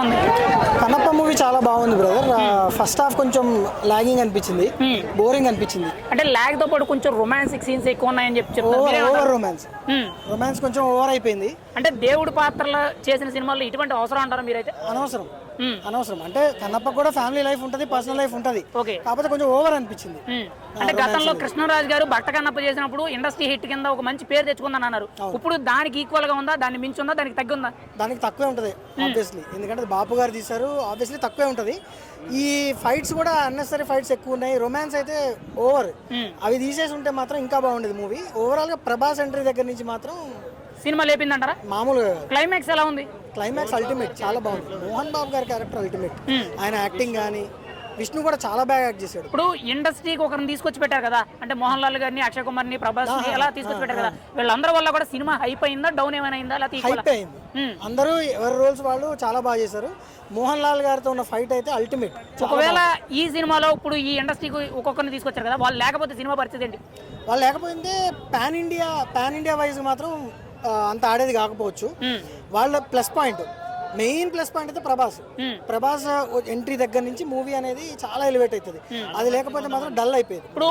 ఉంది? కన్నప్ప మూవీ చాలా బాగుంది బ్రదర్. ఫస్ట్ హాఫ్ కొంచెం లాగింగ్ అనిపించింది, బోరింగ్ అనిపించింది. అంటే లాగ్ తో పాటు కొంచెం రొమాంటిక్ సీన్స్ ఎక్కువ ఉన్నాయని చెప్పి ఓవర్ రొమాన్స్ కొంచెం ఓవర్ అయిపోయింది. అంటే దేవుడి పాత్రలు చేసిన సినిమాల్లో ఇటువంటి అవసరం అంటారా మీరైతే? అనవసరం. అంటే కన్నప్ప కూడా ఫ్యామిలీ లైఫ్ ఉంటది, పర్సనల్ లైఫ్ ఉంటది, కాకపోతే కొంచెం ఓవర్ అనిపించింది. అంటే గతంలో కృష్ణరాజు గారు భట్ట కన్నప్ప చేసినప్పుడు ఇండస్ట్రీ హిట్ కింద ఒక మంచి పేరు తెచ్చుకుందని అన్నారు. ఇప్పుడు దానికి ఈక్వల్ గా ఉందా, దాన్ని మించి ఉందా, దానికి తగ్గి ఉందా? దానికి తక్కువే ఉంటది ఆబ్వియస్లీ, ఎందుకంటే బాపు గారు తీశారు, ఆబ్వియస్లీ తక్కువే ఉంటది. ఈ ఫైట్స్ కూడా అన్నెసరీ ఫైట్స్ ఎక్కువ ఉన్నాయి, రొమాన్స్ అయితే ఓవర్. అవి తీసేసి ఉంటే మాత్రం ఇంకా బాగుండేది మూవీ. ఓవరాల్ గా ప్రభాస్ ఎంట్రీ దగ్గర నుంచి మాత్రం సినిమా లేపిందంటారా? మామూలుగా. క్లైమాక్స్ ఎలా ఉంది? క్లైమాక్స్ అల్టిమేట్, చాలా బాగుంది. మోహన్ బాబు గారి క్యారెక్టర్ అల్టిమేట్. ఆయన యాక్టింగ్ కానీ, విష్ణు కూడా చాలా బాగా యాక్ట్ చేశాడు. ఇప్పుడు ఇండస్ట్రీకి ఒకరిని తీసుకొచ్చి పెట్టారు కదా, అంటే మోహన్ లాల్ గారిని, అక్షయ్ కుమార్ ని, ప్రభాస్ ని ఎలా తీసుకొచ్చి పెట్టారు కదా, వీళ్ళందరి వల్ల కూడా సినిమా హైప్ అయిందా, డౌన్ ఏమైనా అయిందా? హైప్ అయింది. అందరూ ఎవరి రోల్స్ వాళ్ళు చాలా బాగా చేశారు. మోహన్ లాల్ గారితో ఉన్న ఫైట్ అయితే అల్టిమేట్. ఒకవేళ ఈ సినిమాలో ఇప్పుడు ఈ ఇండస్ట్రీకి ఒక్కొక్కరిని తీసుకొచ్చారు కదా, వాళ్ళు లేకపోతే సినిమా పరిస్థితి ఏంటి? వాళ్ళు లేకపోతే పాన్ ఇండియా వైజ్ మాత్రం అంత ఆడేది కాకపోవచ్చు. వాళ్ళ మెయిన్ ప్లస్ పాయింట్ అయితే ప్రభాస్ ఎంట్రీ దగ్గర నుంచి మూవీ అనేది చాలా ఎలివేట్ అవుతుంది. అది లేకపోతే మాత్రం డల్ అయిపోయింది. ఇప్పుడు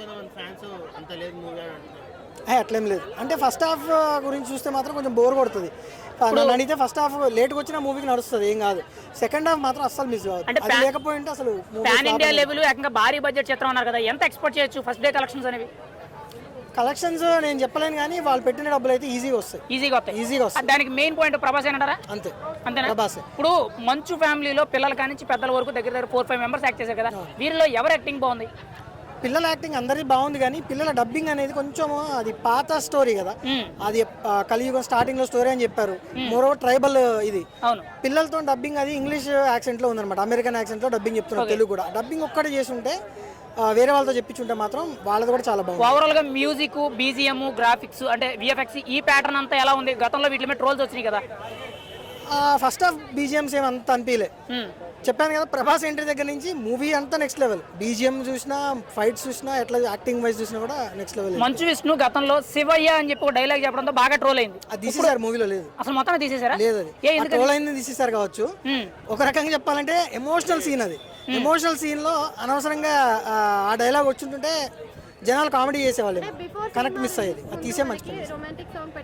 అట్లేం లేదు. అంటే ఫస్ట్ హాఫ్ గురించి చూస్తే మాత్రం కొంచెం బోర్ కొడుతుంది. నన్ను అడిగితే ఫస్ట్ హాఫ్ లేట్గా వచ్చిన మూవీకి నడుస్తుంది, ఏం కాదు. సెకండ్ హాఫ్ మాత్రం అస్సలు మిస్ కాదు. అంటే లేకపోతే అసలు పాన్ ఇండియా లెవెల్ ఏకంగా భారీ బడ్జెట్ చిత్రం అన్నారు కదా, ఎంత ఎక్స్పెక్ట్ చేయొచ్చు ఫస్ట్ డే కలెక్షన్స్ అనేవి? కలెక్షన్స్ నేను చెప్పలేను, కానీ వాళ్ళు పెట్టిన డబ్బులు అయితే ఈజీగా వస్తాయి. దానికి మెయిన్ పాయింట్ ప్రభాస్ అంటారా? అంతేనా? ప్రభాస్. ఇప్పుడు మంచు ఫ్యామిలీలో పిల్లల కానించి పెద్దల వరకు దగ్గర 4-5 మెంబర్స్ యాక్ట్ చేశారు కదా, వీరిలో ఎవరు యాక్టింగ్ బాగుంది? పిల్లల యాక్టింగ్ అందరికీ బాగుంది, కానీ పిల్లల డబ్బింగ్ అనేది కొంచెం అది పాత స్టోరీ కదా, అది కలియుగం స్టార్టింగ్ లో స్టోరీ అని చెప్పారు. మోరోవర్ ట్రైబల్ ఇది. పిల్లలతో డబ్బింగ్ అది ఇంగ్లీష్ యాక్సెంట్ లో ఉందన్నమాట, అమెరికన్ యాక్సెంట్ లో డబ్బింగ్ చెప్తున్నారు. తెలుగు కూడా డబ్బింగ్ ఒక్కటే చేసి ఉంటే, వేరే వాళ్ళతో చెప్పించుంటే మాత్రం వాళ్ళది కూడా చాలా బాగుంది. ఓవరాల్ గా మ్యూజిక్, బీజిఎం, గ్రాఫిక్స్ అంటే విఎఫ్ఎక్స్ ఈ ప్యాటర్న్ అంతా ఎలా ఉంది? గతంలో వీటి మీద ట్రోల్స్ వచ్చినాయి కదా. ఫస్ట్ హాఫ్ బీజిఎంస్ ఏమంత అనిపించలే. చెప్పాను కదా, ప్రభాస్ ఎంట్రీ దగ్గర నుంచి మూవీ అంతా నెక్స్ట్ లెవెల్. బీజిఎం చూసినా, ఫైట్స్ చూసినా, ఎట్లా యాక్టింగ్ వైజ్ చూసినా కూడా నెక్స్ట్ లెవెల్. మంచు విష్ణు గతంలో శివయ్య అని చెప్పి ఒక డైలాగ్ చెప్పడంతో బాగా ట్రోల్ అయింది. అది తీసేసారు, మూవీలో లేదు అసలు, మొత్తం తీసేసారా? లేదు, అది ట్రోల్ అయింది, తీసేసారు కావచ్చు. ఒక రకంగా చెప్పాలంటే ఎమోషనల్ సీన్ అది. ఎమోషనల్ సీన్ లో అనవసరంగా ఆ డైలాగ్ వచ్చింటుంటే జనాలు కామెడీ చేసేవాళ్ళు, కనెక్ట్ మిస్ అయ్యేది. అది తీసే మంచి